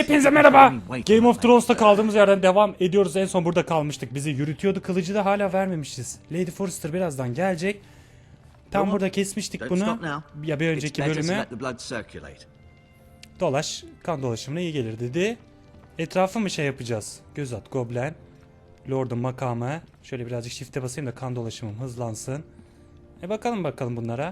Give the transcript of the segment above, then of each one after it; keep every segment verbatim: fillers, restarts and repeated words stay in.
Hepinize merhaba. Game of Thrones'ta kaldığımız yerden devam ediyoruz. En son burada kalmıştık. Bizi yürütüyordu. Kılıcı da hala vermemişiz. Lady Forrester birazdan gelecek. Tam burada kesmiştik bunu. Ya bir önceki bölümü. Dolaş. Kan dolaşımına iyi gelir dedi. Etrafı mı şey yapacağız? Göz at Goblin. Lord'un makamı. Şöyle birazcık shift'e basayım da kan dolaşımım hızlansın. E bakalım bakalım bunlara.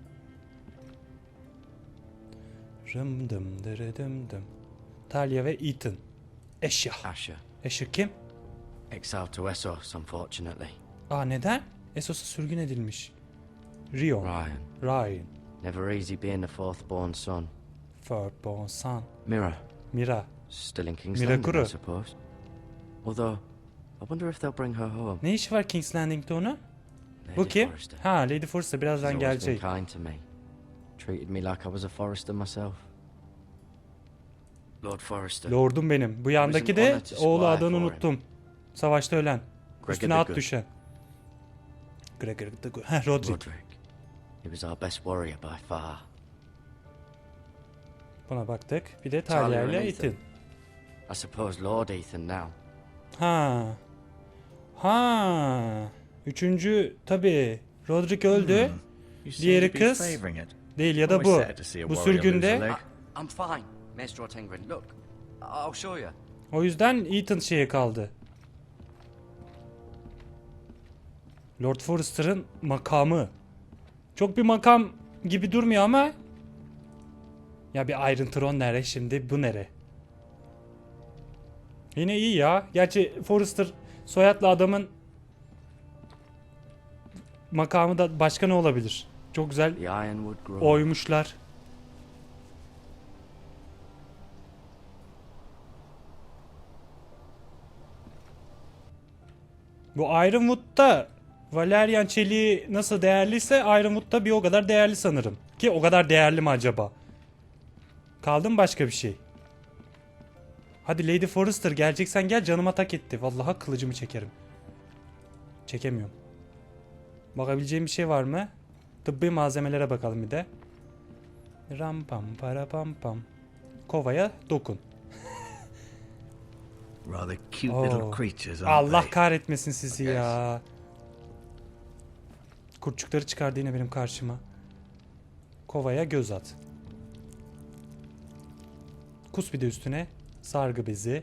Rım dım dırı dım dım. Talia ve Ethan. Eşya. Asher. Eşya kim? Exiled to Essos, unfortunately. Aa neden? Essos'a sürgün edilmiş. Rion. Ryan. Ryan. Never easy being the fourth born son. Firstborn son. Mira. Mira. Still in King's Mira Landing, Kuru. I suppose. Although, I wonder if they'll bring her home. Ne işi var King's Landing'de onun? Lady Bu kim? Forrester. Ha Lady Forrester birazdan She's always been gelecek. kind to me. Treated me like I was a Forrester myself. Lord Forrester. Lordum benim. Bu yandaki de oğlu adını unuttum. Savaşta ölen. Üstüne at düşen. Gregor the Good. Heh Roderick. Roderick. He was our best warrior by far. Buna baktık. Bir de Talia ile Ethan. I suppose Lord Ethan now. Ha. Ha. Üçüncü tabi. Roderick öldü. Diğeri kız. Değil ya da bu. Bu sürgünde. I- I'm fine, Maestro Tengrin. Look, I'll show you. O yüzden Ethan şeye kaldı. Lord Forrester'ın makamı. Çok bir makam gibi durmuyor ama. Ya bir Iron Throne nere şimdi, bu nere? Yine iyi ya. Gerçi Forrester soyadlı adamın makamı da başka ne olabilir? Çok güzel The Ironwood Grove. oymuşlar. Bu Ironwood'da Valerian çeliği nasıl değerliyse Ironwood'da bir o kadar değerli sanırım. Ki o kadar değerli mi acaba? Kaldı mı başka bir şey? Hadi Lady Forrester geleceksen gel, canıma tak etti. Vallahi kılıcımı çekerim. Çekemiyorum. Bakabileceğim bir şey var mı? Tıbbi malzemelere bakalım bir de. Ram pam para pam pam. Kovaya dokun. Rather cute Oh. little creatures, aren't Allah they? kahretmesin sizi ya. Kurtçukları çıkardı yine benim karşıma. Kovaya göz at. Kus bir de üstüne. Sargı bezi.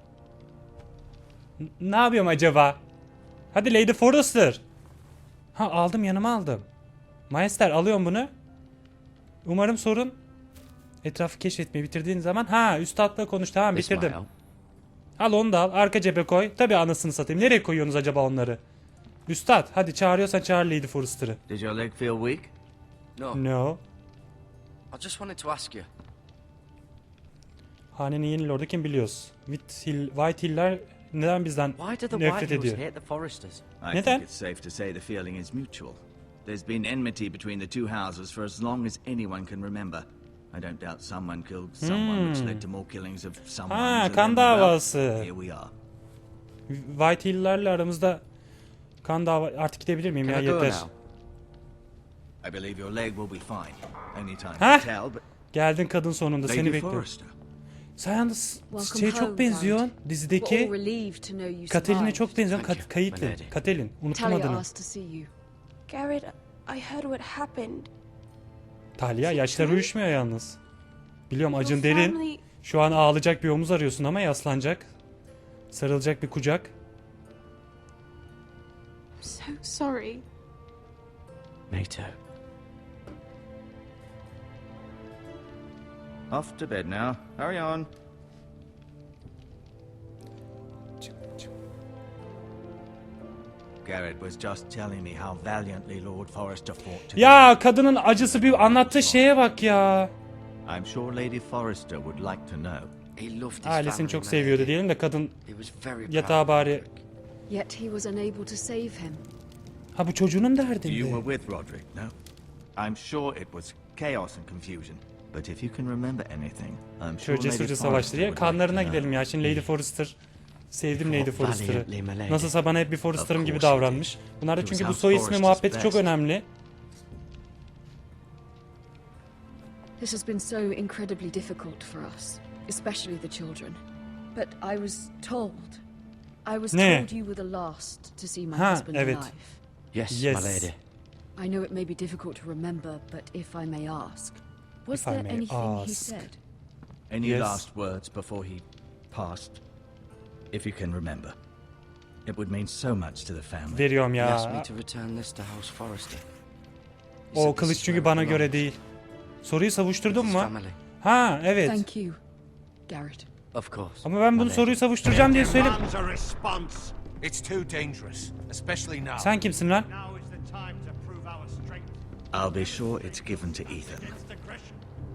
N- ne yapıyorum acaba? Hadi Lady Forrester. Ha aldım, yanıma aldım. Maester alıyorum bunu. Umarım sorun etrafı keşfetmeyi bitirdiğin zaman. Ha üstadla konuş, tamam This might bitirdim. help. Al onu da al, arka cebe koy. Tabi anasını satayım. Nereye koyuyorsunuz acaba onları? Üstad hadi, çağırıyorsan çağır Lady Forrester'ı. Did your leg feel weak? No, No. I just wanted to ask you. Hanenin yeni lordu kim biliyoruz. White, Hill, White Hill'ler neden bizden Why do the nefret White Hills ediyor? hate the Forresters? I Neden? think it's safe to say the feeling is mutual. There's been enmity between the two houses for as long as anyone can remember. I don't doubt someone killed someone, which led to more killings of someone. Ha, and kan then, davası. well, here we are. White Hill'lerle aramızda kan dava... Artık gidebilir miyim Can ya, I go yeter. now? I believe your leg will be fine. Only time Huh? to tell, but Geldin kadın sonunda, seni Lady bekliyorum. Forrester. Sen yalnız Welcome şeye home, çok benziyorsun. We're all Dizideki relieved to know you Katelin'e survived. çok benziyorsun. Thank Kat you, my Caitlyn. lady. Katelin. Unuttum Talia adını. asked to see you. Garrett, I heard what happened. Talia yaşları uyuşmuyor yalnız. Biliyorum acın Your derin. family- Şu an ağlayacak bir omuz arıyorsun ama yaslanacak. Sarılacak bir kucak. I'm so sorry. Me too. Off to bed now. Hurry on. Çık, çık. Garrett was just telling me how valiantly Lord Forrester fought today. Ya kadının acısı, bir anlattığı şeye bak ya. I'm sure Lady Forrester would like to know. He loved his Ailesini family, çok my seviyordu lady. diyelim de kadın He was very proud yatağa of bari. Roderick. Yet he was unable to save him. Ha bu çocuğunun You derdinde. were with Roderick, no? I'm sure it was chaos and confusion. But if you can remember anything, I'm sure Şöyle Lady cesurca Forrester savaştı diye. would like Kanlarına to know. gidelim ya. Şimdi Lady Forrester. Sevdim Lady Forrester'ı. Valiantly, my lady. Nasılsa bana hep bir Forrester'ım Of gibi course he davranmış. Bunlar da He çünkü was bu our soy ismi Forrester's muhabbeti çok best. önemli. This has been so incredibly difficult for us. especially the children. But I was told. I was Ne? told you were the last to see my Ha, husband evet. alive. Yes, Yes. my lady. I know it may be difficult to remember, but if I may ask, was If I there may anything he ask. said? Any Yes. last words before he passed? If you can remember. It would mean so much to the family. Veriyorum He asked me ya. to return this to House Forrester. He O said this kılıç is çünkü where bana it göre belongs. değil. Soruyu savuşturdun His mu? family. Ha evet. Thank you, Garrett. Of course. Ama ben my bunu lady. soruyu savuşturacağım diye söyledim. Demands a response. It's too dangerous, especially now. Sen kimsin lan? Now is the time to prove our strength. I'll be sure it's given to Ethan. Against aggression.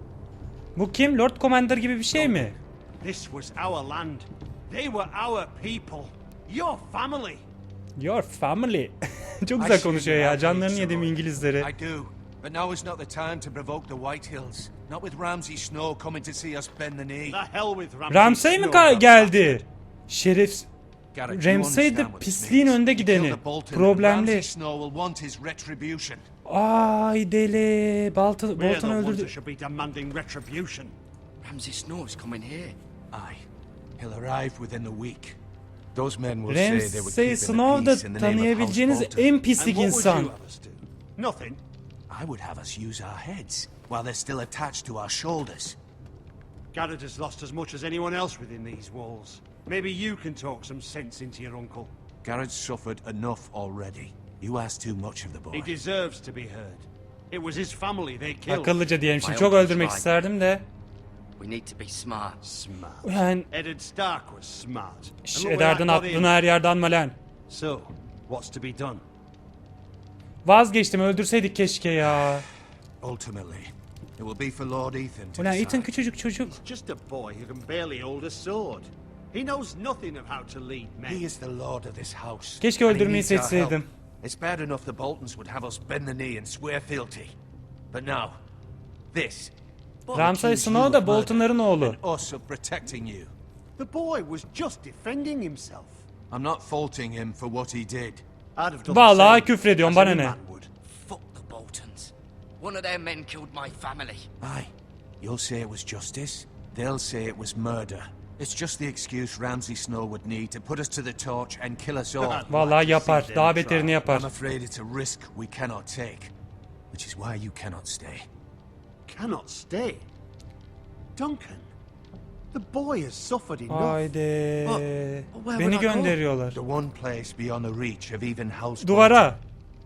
Bu kim? Lord Commander gibi bir şey mi? This was our land. They were our people. Your family. Your family. Çok I güzel see konuşuyor you ya. have Canlarını needs, yedim Roy. İngilizleri. I do, but now is not the time to provoke the Whitehills. Not with Ramsay Snow coming to see us bend the knee. The hell with Ramsay. Ramsay mi Snow, ka- that geldi? Şeref. Garrett, you Ramsay understand de what this pisliğin means. önde He killed gideni. the Bolton, Problemli. Ramsay Snow will want his retribution. Ay deli. Bolton, We're Bolton the ones öldürdü. that should be demanding retribution. Ramsay Snow is coming here. Aye, he'll arrive within the week. Those men will say they were Ramsay keeping the Snow da peace in the name of House tanıyabileceğiniz Bolton. en And pislik what would insan. you have us do? Nothing. I would have us use our heads while they're still attached to our shoulders. Garrett has lost as much as anyone else within these walls. Maybe you can talk some sense into your uncle. Garrett's suffered enough already. You ask too much of the boy. He deserves to be heard. It was his family they killed. Akıllıca diyelim. Şimdi My çok uncle's öldürmek right. isterdim de. We need to be smart. Smart. Yani Eddard Stark was smart. şş, And look where Eddard'ın that got him. aklını her yerden alma lan. So, what's to be done? Vazgeçtim. Öldürseydik keşke ya. Ultimately, it will be for Lord Ethan to Ulan Ethan decide. küçücük çocuk. Just a boy who can barely hold a sword. He knows nothing of how to lead men. He is the lord of this house. Keşke and he öldürmeyi needs our help. seçseydim. It's bad enough the Boltons would have us bend the knee and swear fealty. But now, this. Ramsay accuse Snow you da of murder Bolton'ların oğlu. and us of protecting you. The boy was just defending himself. I'm not faulting him for what he did. I'd have done Vallahi the same, küfrediyorum, as bana any ne? man would. Fuck the Boltons. One of their men killed my family. Aye, you'll say it was justice. They'll say it was murder. It's just the excuse Ramsay Snow would need to put us to the torch and kill us all. Vallahi yapar. Daha beterini yapar. I'm afraid it's a risk we cannot take, which is why you cannot stay. Cannot stay. Duncan, the boy has suffered enough. Haydi. Well, where Beni would I go? gönderiyorlar. The one place beyond the reach of even House Duvara.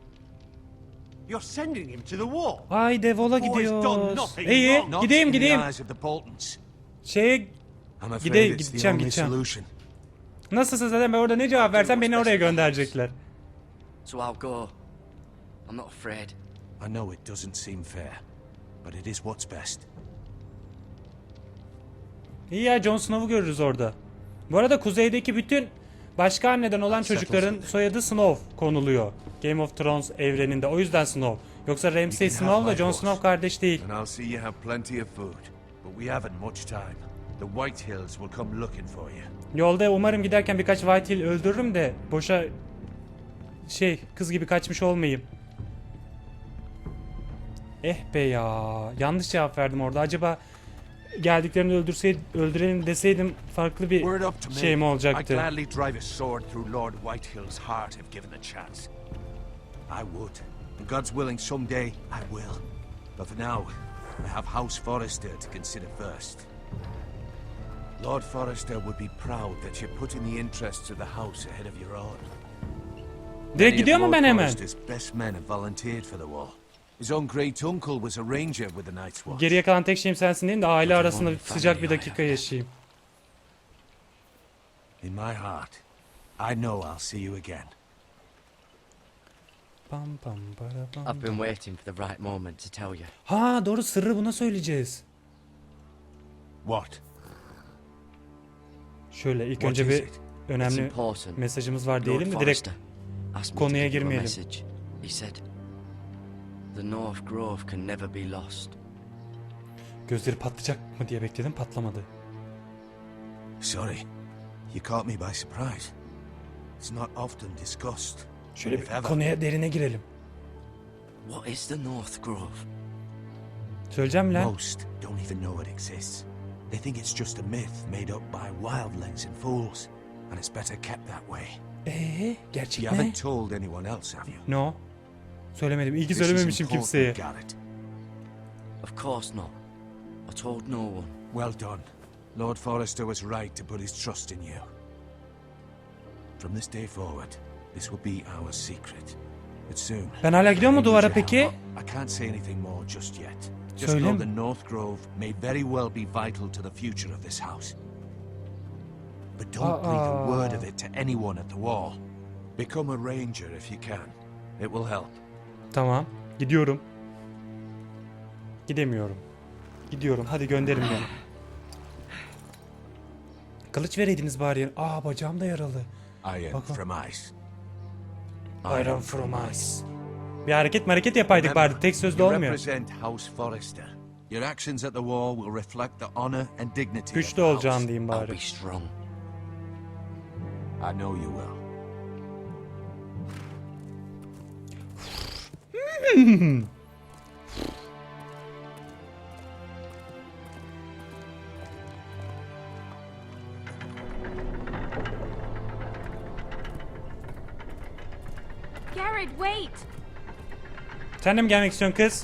You're sending him to the wall. Ay devola Boy's done gidiyoruz. nothing İyi wrong. Not gideyim in the gideyim. eyes of the Boltons. Şeye I'm afraid Gide- it's the gideceğim, only gideceğim. solution. nasılsın zaten ben orada ne cevap versem beni oraya gönderecekler. So I'll go. I'm not afraid. I know it doesn't seem fair, but it is what's best. İyi ya Jon Snow'u görürüz orada. Bu arada kuzeydeki bütün başka anneden olan çocukların soyadı Snow konuluyor. Game of Thrones evreninde. O yüzden Snow. Yoksa Ramsay You can Snow have ile my Jon horse. Snow kardeş değil. And I'll see you have plenty of food. But we haven't much time. The Whitehills will come looking for you. Yolda umarım giderken birkaç Whitehill öldürürüm de boşa şey kız gibi kaçmış olmayayım. Eh be ya. Yanlış cevap verdim orada. Acaba geldiklerini öldürseydim, öldürelim deseydim farklı bir Word up to me. şey mi I'd olacaktı? gladly drive a sword through Lord Whitehill's heart if given the chance. I would. And God's willing someday I will. But for now, I have House Forrester to consider first. Lord Forrester would be proud that you're putting the interests of the house ahead of your own. Direkt Many of gidiyor mu Lord ben hemen? Forrester's best men have volunteered for the war. His own great uncle was a ranger with the Night's Watch. Geriye kalan tek şeyim sensin diyeyim de aile But arasında one sıcak bir family I dakika have. yaşayayım. In my heart, I know I'll see you again. Pam pam para pam. I've been waiting for the right moment to tell you. Ha doğru sırrı buna söyleyeceğiz. What? Şöyle ilk What önce is bir it? It's önemli important. mesajımız var Lord diyelim de direkt Forrester asked me to konuya give you a girmeyelim. message. He said, "The North Grove can never be lost." gözleri patlayacak mı diye bekledim patlamadı. Sorry, you caught me by surprise. It's not often discussed. Şöyle if bir ever. konuya derine girelim. What is the North Grove? Söyleyeceğim lan. Most don't even know it exists. They think it's just a myth made up by wildlings and fools, and it's better kept that way. Eee gerçek You ne? haven't told anyone else, have you? No. Söylemedim. İyi ki This is söylememişim important, kimseye. Garrett. Of course not. I told no one. Well done. Lord Forrester was right to put his trust in you. From this day forward, this will be our secret. But soon... Ben hala gidiyor mu I need duvara your peki? help. I can't say anything more just yet. Just Söyle. know the North Grove may very well be vital to the future of this house. But don't breathe a word of it to anyone at the wall. Become a ranger if you can. It will help. Tamam. Gidiyorum. Gidemiyorum. Gidiyorum. Hadi gönderin beni. Kılıç vereydiniz bari. Aa bacağım da yaralı. Iron Bak- from ice. Iron from ice. Bir hareket hareket yapaydık bari. Tek sözlü You olmuyor. represent House Forrester. Your actions at the wall will reflect the honor and dignity of Güçlü the house. olacağım diyeyim I'll bari. be strong. I know you will. Garrett, wait! Sen de mi gelmek istiyorsun kız?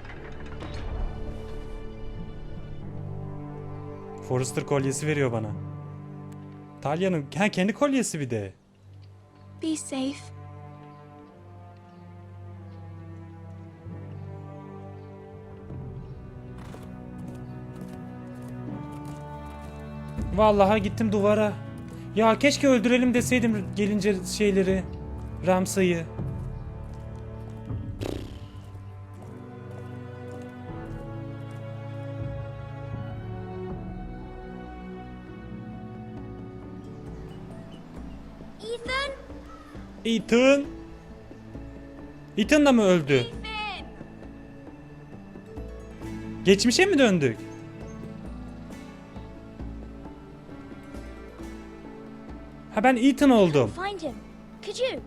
Forrester kolyesi veriyor bana. Talya'nın ha, kendi kolyesi bir de. Be safe. Vallahi gittim duvara. Ya keşke öldürelim deseydim gelince şeyleri. Ramsay'ı. Ethan? Ethan. Ethan da mı öldü? Ethan! Geçmişe mi döndük? Ha ben Ethan oldum. Find him. Could you?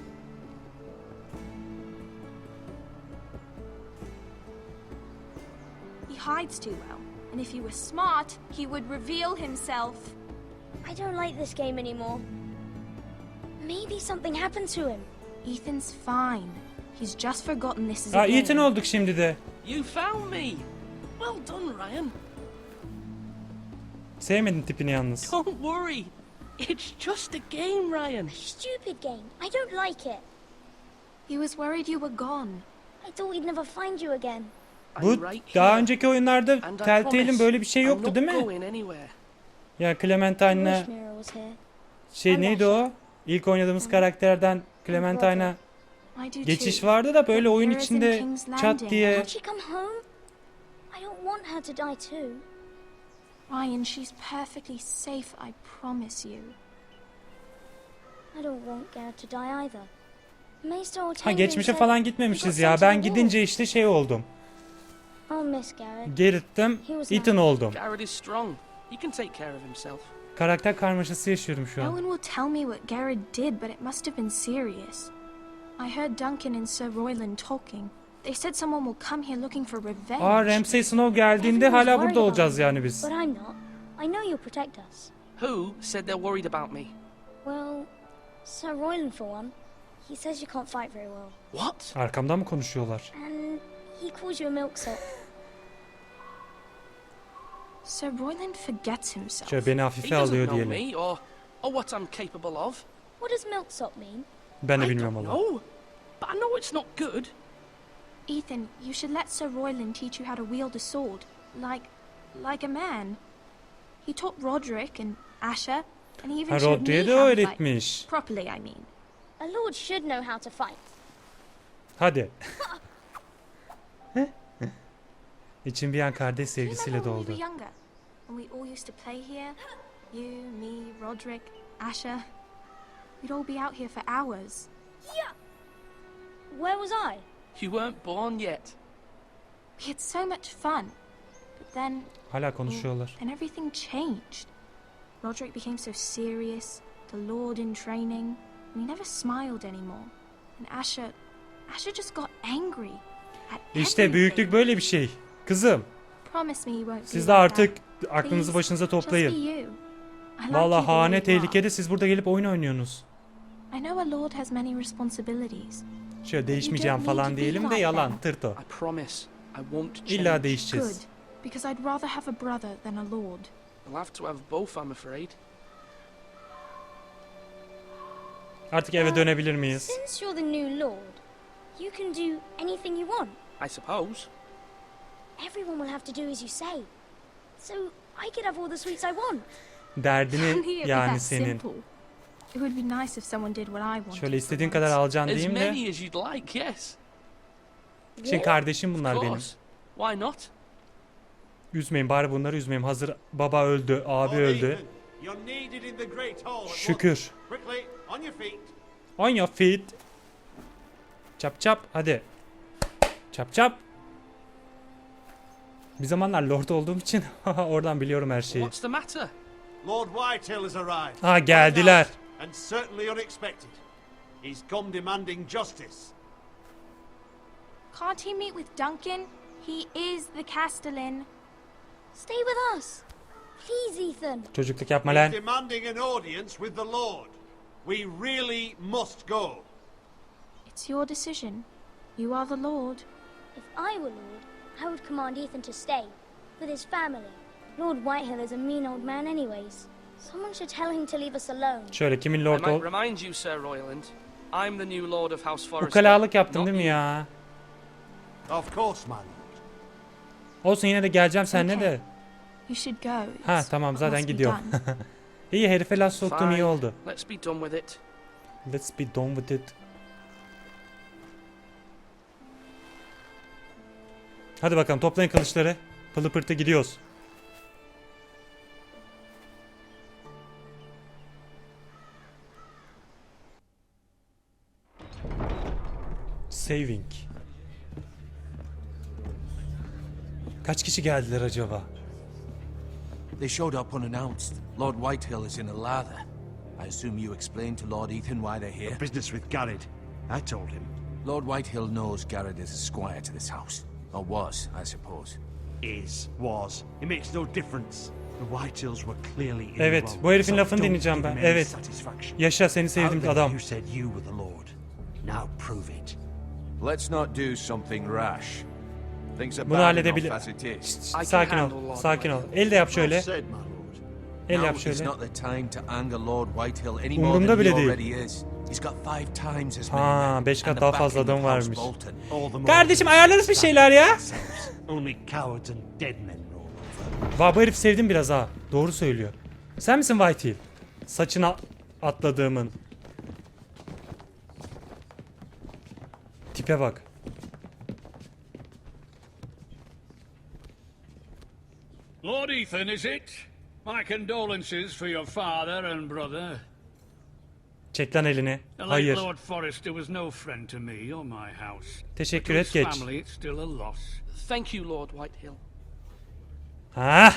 He hides too well, and if he were smart, he would reveal himself. I don't like this game anymore. Maybe something happened to him. Ethan's fine. He's just forgotten this is Ha a game. Ethan olduk şimdi de. You found me! Well done, Ryan. Sevmedin tipini yalnız. Don't worry. It's just a game, Ryan. Stupid game. I don't like it. He was worried you were gone. I thought we'd never find you again. Bu I'm right daha here. önceki oyunlarda And I Telltale'in promise böyle bir şey I'm yoktu not değil mi? going anywhere. Ya I Clementine'la wish Mira was here. şey neydi o? İlk oynadığımız karakterden Clementine'a I do geçiş too. vardı da böyle But oyun Mira's in içinde King's çat Landing. diye. Can't she come home? I don't want her to die too. Ryan, she's perfectly safe, I promise you. I don't want Garrett to die either. Maester Ha Ortega geçmişe said falan he gitmemişiz got ya. sent to Ben the war. gidince işte şey oldum. I'll miss Garrett. Gerittim. Ethan oldum. Garrett is strong. He can take care of himself. Karakter karmaşası yaşıyorum şu No an. one will tell me what Garrett did, but it must have been serious. I heard Duncan and Sir Royland talking. They said someone will come here looking for revenge. Aa Ramsay Snow geldiğinde Everyone's hala worried burada about olacağız me, yani biz. But I'm not. I know you'll protect us. Who said they're worried about me? Well, Sir Royland for one. He says you can't fight very well. What? Arkamdan mı konuşuyorlar? And he calls you a milksop. Sir Royland forgets himself. Şöyle beni He hafife doesn't alıyor know diyelim. me or, or what I'm capable of. What does milksop mean? Ben de I bilmiyorum don't valla. know. But I know it's not good. Ethan, you should let Sir Royland teach you how to wield a sword. Like, like a man. He taught Roderick and Asher, and he even Ha showed me Rodri'ye de how to fight. öğretmiş. Properly, I mean. A lord should know how to fight. Hadi. İçim bir an kardeş Do you sevgisiyle remember when we doldu. were younger? When we all used to play here? You, me, Roderick, Asher. We'd all be out here for hours. Where was I? You weren't born yet. We had so much fun. But then, Hala konuşuyorlar. then everything changed. Roderick became so serious, the Lord in training, and he never smiled anymore. And Asher, Asher just got angry at İşte everything. büyüklük böyle bir şey. Kızım, Promise me you won't do siz de like artık that. aklınızı Please, başınıza just be toplayın. you. I like Vallahi you the way hane you are. tehlikede, siz burada gelip oyun oynuyorsunuz. I know a lord has many responsibilities. Şöyle değişmeyeceğim falan diyelim de yalan, tırt o. I promise I won't change. İlla Good, değişeceğiz. because I'd rather have a brother than a lord. I'll have to have both, I'm afraid. Artık eve dönebilir miyiz? Since you're the new lord, you can do anything you want. I suppose. Everyone will have to do as you say. So I could have all the sweets I want. Only Derdini it be yani that senin. simple. It would be nice if someone did what I wanted. Şöyle for istediğin once. kadar alacaksın As diyeyim de. many as you'd like, yes. Şimdi kardeşim bunlar Of benim. course. Why not? Üzmeyin, bari bunları üzmeyin. Hazır baba öldü, abi öldü. You're needed in the Great Hall at once. Şükür. Quickly, on your feet. On your feet. Çap çap hadi. Çap çap. Bir zamanlar lord olduğum için oradan biliyorum her şeyi. What's the matter? Lord Whitehill has arrived. Ha, geldiler. And certainly unexpected. He's come demanding justice. Can't he meet with Duncan? He is the Castellan. Stay with us. Please, Ethan. Çocukluk yapma He's lan. demanding an audience with the Lord. We really must go. It's your decision. You are the lord. If I were lord, I would command Ethan to stay with his family. Lord Whitehill is a mean old man anyways. Someone should tell him to leave us alone. Şöyle kimin I lord might ol... remind you, Sir Royland, I'm the new Lord of House Forrester. Ukalalık yaptım not değil mi you. ya? Of course, my lord. Olsun, yine de geleceğim seninle Okay. de. You should go. Ha It's tamam, what zaten must be gidiyorum. done. İyi, herife laf soktum, iyi Fine. oldu. Let's be done with it. Let's be done with it. Hadi bakalım, toplayın kılıçları. Pılı pırtı gidiyoruz. Saving. Kaç kişi geldiler acaba? They showed up unannounced. Lord Whitehill is in a lather. I assume you explained to Lord Ethan why they're here? Business with Garrett. I told him. Lord Whitehill knows Garrett is a squire to this house. Or was, I suppose. Is, was. It makes no difference. The Whitehills were clearly in Evet, the wrong. bu herifin So lafını don't dinleyeceğim give ben. him any Evet. satisfaction. Yaşa, seni Out sevdiğim there adam. You said you were the Lord. Now prove it. Let's not do something rash. Things are Bunu bad halledebilir. enough as it is. Şşt, can sakin handle ol, Lord sakin ol. Whitehill. El de yap şöyle. Well said, my lord. El Now yap is şöyle. not the time to anger Lord Whitehill any more Umurumda than he bile değil. already is. He's got five times as many Ha, men beş kat and the daha fazla backing adam of House varmış. Bolton. All the more Kardeşim, reason ayarlarız to bir stand şeyler ya. ourselves. Only cowards and dead men roll over. Va, bu herif sevdim biraz ha. Doğru söylüyor. Sen misin Whitehill? Saçına atladığımın. Tipe bak. Lord Ethan, is it? My condolences for your father and brother. Çek lan elini. The late Hayır. Lord Forrester was no friend to me or my house. Teşekkür To et, his geç. family, it's still a loss. Thank you, Lord Whitehill. Ha?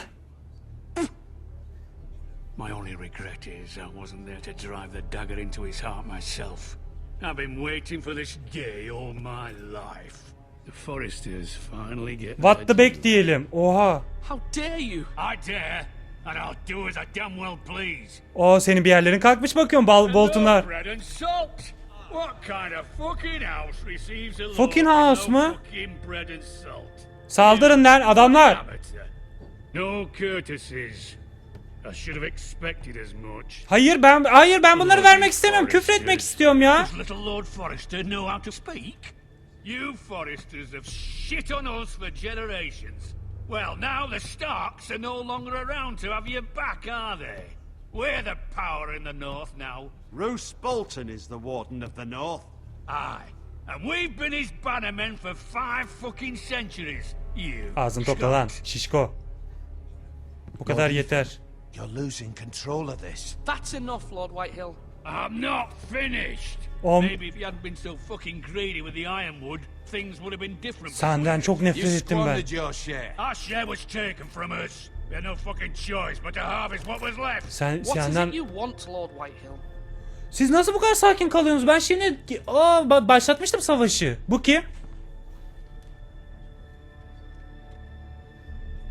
My only regret is I wasn't there to drive the dagger into his heart myself. I've been waiting for this day all my life. The Forresters finally get What their the back due. diyelim. Oha. How dare you? I dare, and I'll do as I damn well please. O senin bir yerlerin kalkmış bakıyorum, bal boltunlar. No bread and salt. What kind of fucking house receives a lord Fucking with house no mı? fucking bread and salt? Saldırın lan adamlar. Amateur. No courtesies. I should have expected as much. Hayır ben hayır ben bunları vermek istemiyorum. Küfür etmek istiyorum ya. Does little Lord Forrester know how to speak? You Forresters have shit on us for generations. Well, now the Starks are no longer around to have your back, are they? We're the power in the north now. Roose Bolton is the Warden of the North. Aye. And we've been his bannermen for five fucking centuries. You. Ağzını topla lan Scot. şişko. Bu kadar yeter. You're losing control of this. That's enough, Lord Whitehill. I'm not finished. Om- Maybe if you hadn't been so fucking greedy with the ironwood, things would have been different. Senden between çok us. nefret You ettim ben. squandered your share. Our share was taken from us. We had no fucking choice but to harvest what was left. Sen What is senden it you want, Lord Whitehill? Siz nasıl bu kadar sakin kalıyorsunuz? Ben şimdi aa ba- başlatmıştım savaşı. Bu kim?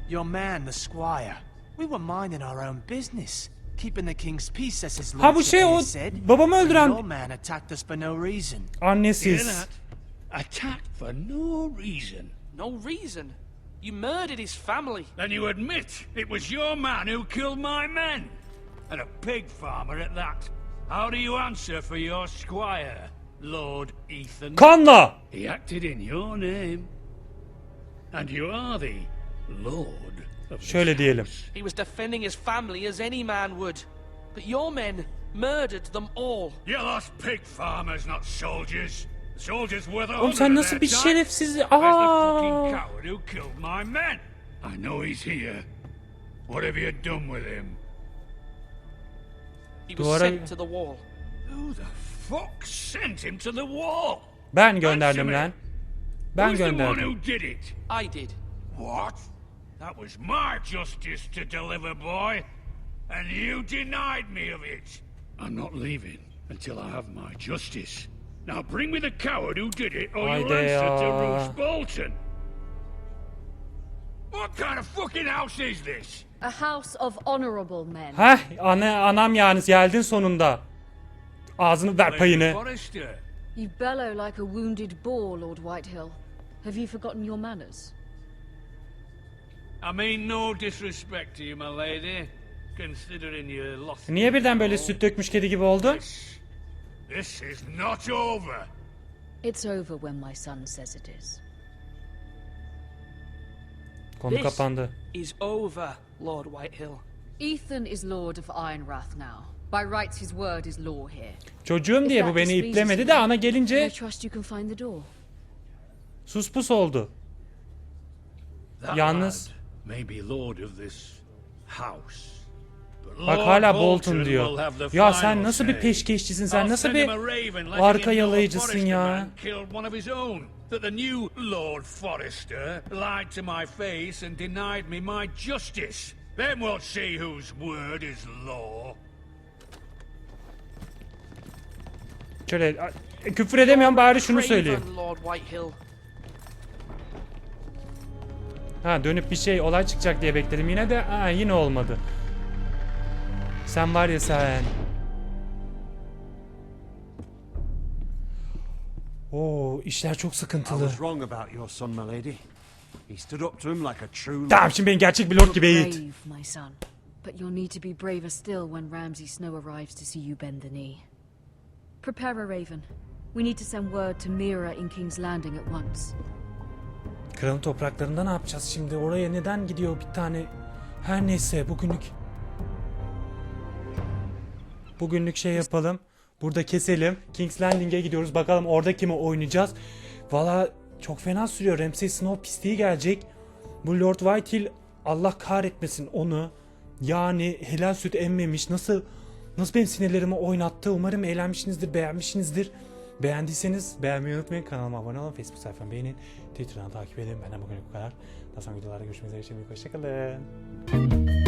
Your man, the squire. We were minding our own business. Keeping the king's peace as his Ha bu lordship şey o here said. babamı Your öldüren man attacked us for no reason. Hear annesiz. that? Attacked for no reason. No reason. You murdered his family. Then you admit it was your man who killed my men. And a pig farmer at that. How do you answer for your squire, Lord Ethan? Kanla. He acted in your name. And you are the Lord of this Şöyle diyelim. house. He was defending his family as any man would. But your men murdered them all. You lost pig farmers, not soldiers. Soldiers worth a Oğlum hundred sen of nasıl their bir time. şerefsiz... Where's the fucking Aa! coward who killed my men? I know he's here. What have you done with him? He was Duvara- sent to the wall. Who the fuck sent him to the wall? Ben gönderdim Answer me. lan. Ben Who's the one gönderdim. who did it? I did. What? That was my justice to deliver, boy. And you denied me of it. I'm not leaving until I have my justice. Now bring me the coward who did it, or you'll Haydi answer to ya. Roose Bolton. What kind of fucking house is this? A house of honorable men. Heh ana, anam yani geldin sonunda. Ağzını ver payını. Forrester. You bellow like a wounded boar, Lord Whitehill. Have you forgotten your manners? I mean no disrespect to you, my lady. Considering you lost... Niye birden böyle süt dökmüş kedi gibi oldun? This, this is not over. It's over when my son says it is. Konu This kapandı. is over, Lord Whitehill. Ethan is Lord of Ironrath now. By rights his word is law here. Çocuğum diye bu beni iplemedi de ana I gelince trust you can find the door. sus pus oldu. That Yalnız- lad may be lord of this house. But Bak Lord hala Bolton Bolton will diyor. have the Ya final sen nasıl bir say. peşkeşçisin sen I'll nasıl send bir him a raven letting arka him know yalayıcısın Forrester ya. man killed one of his own. That the new Lord Forrester lied to my face and denied me my justice. Then we'll see whose word is law. Şöyle a- küfür edemiyorum bari şunu söyleyeyim. Craven, Lord Whitehill. Ha dönüp bir şey olay çıkacak diye bekledim yine de ha, yine olmadı. Sen var ya sen. Oo işler çok I sıkıntılı. was wrong about your son, my lady. He stood up to him like a true Tamam şimdi beni gerçek bir lord gibi eğit. Brave, my son. But you'll need to be braver still when Ramsay Snow arrives to see you bend the knee. Prepare a raven. We need to send word to Mira in King's Landing at once. Kralın topraklarında ne yapacağız şimdi? Oraya neden gidiyor bir tane? Her neyse bugünlük. Bugünlük şey yapalım. Burada keselim. King's Landing'e gidiyoruz. Bakalım orada kimi oynayacağız. Valla çok fena sürüyor. Ramsay Snow pisliği gelecek. Bu Lord Whitehill Allah kahretmesin onu. Yani helal süt emmemiş. Nasıl nasıl benim sinirlerimi oynattı. Umarım eğlenmişsinizdir, beğenmişsinizdir. Beğendiyseniz beğenmeyi unutmayın. Kanalıma abone olun. Facebook sayfamı beğenin. Twitter'dan takip edin. Benden bugün bu kadar. Daha sonra videolarda görüşmek üzere. Şimdilik hoşçakalın.